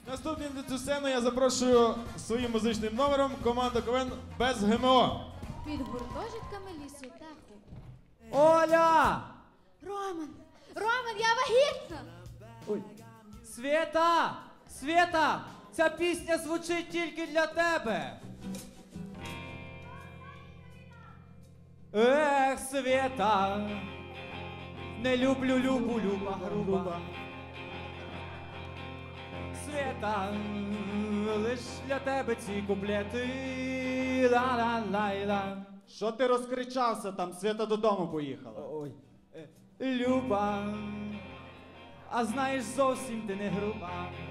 Наступним на цю сцену я запрошую своїм музичним номером команду КВН «Без ГМО». Під гуртожитками лісотеху. Оля! Роман! Роман, я вагітна! Ой. Свєта! Свєта! Ця пісня звучить тільки для тебе! Ех, Свєта! Не люблю Любу, Люба груба. Свєта, лиш для тебе ці куплети. Ла-ла-лай-ла. Що ти розкричався там? Свята додому поїхала. Ой. Люба, а знаєш, зовсім ти не груба.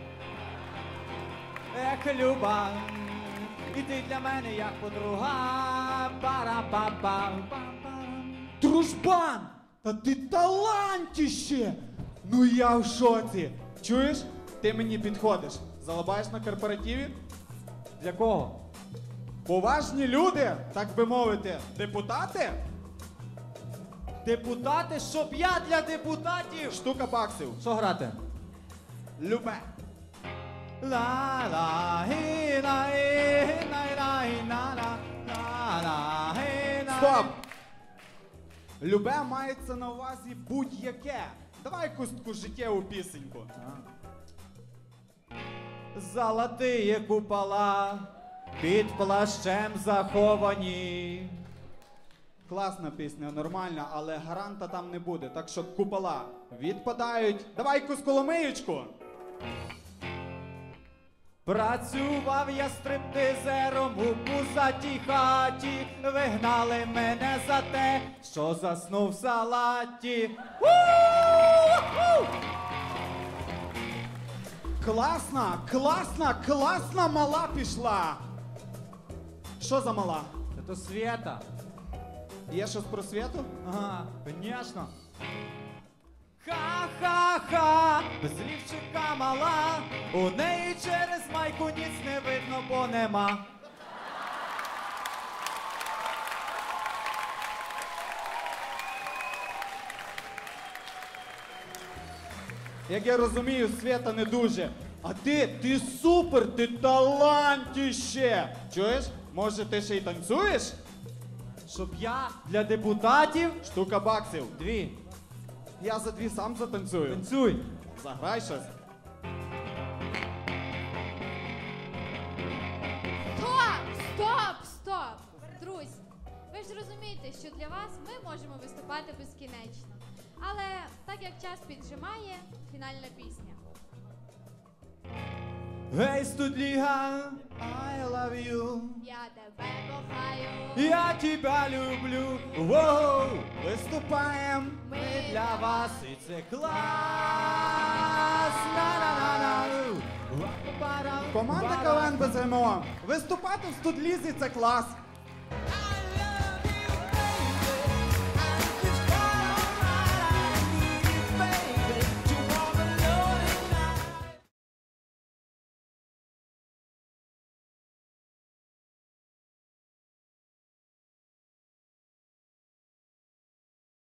Ех, Люба, і ти для мене як подруга. Пара-па-па-па-па. Дружбан! Та ти талантіще! Ну я в шоці! Чуєш? Ти мені підходиш. Залабаєш на корпоративі? Для кого? Поважні люди, так би мовити, депутати? Депутати, щоб я для депутатів. Штука баксів. Що грати? Любе. Стоп! Любе мається на увазі будь-яке. Давай якусь таку життєву пісеньку. Золотые купола під плащем заховані. Класна пісня, нормальна, але гаранта там не буде, так що купола відпадають. Давай якусь коломиючку. Працював я стриптизером у пузатій хаті, вигнали мене за те, що заснув в салаті. Класна, класна, класна мала пішла. Що за мала? Це Свєта. Є щось про Свєту? Ага, конечно. Ха-ха-ха, безлівчика мала, у неї через майку ніц не видно, бо нема. Як я розумію, Свєта не дуже. А ти супер, ти талантіще. Чуєш? Може ти ще й танцюєш? Щоб я для депутатів Штука баксів. 2. Я за 2 сам затанцюю. Танцюй. Заграй щось. Стоп! Стоп! Стоп! Друзі, ви ж розумієте, що для вас ми можемо виступати безкінечно. Але так як час піджимає, фінальна пісня. Гей, студліга, I love you. Я тебе кохаю. Я тебя люблю. Воу, Виступаємо. Ми для вас і це клас. На-на-на-на. Команда КВН без ГМО. Виступати в студлізі це клас.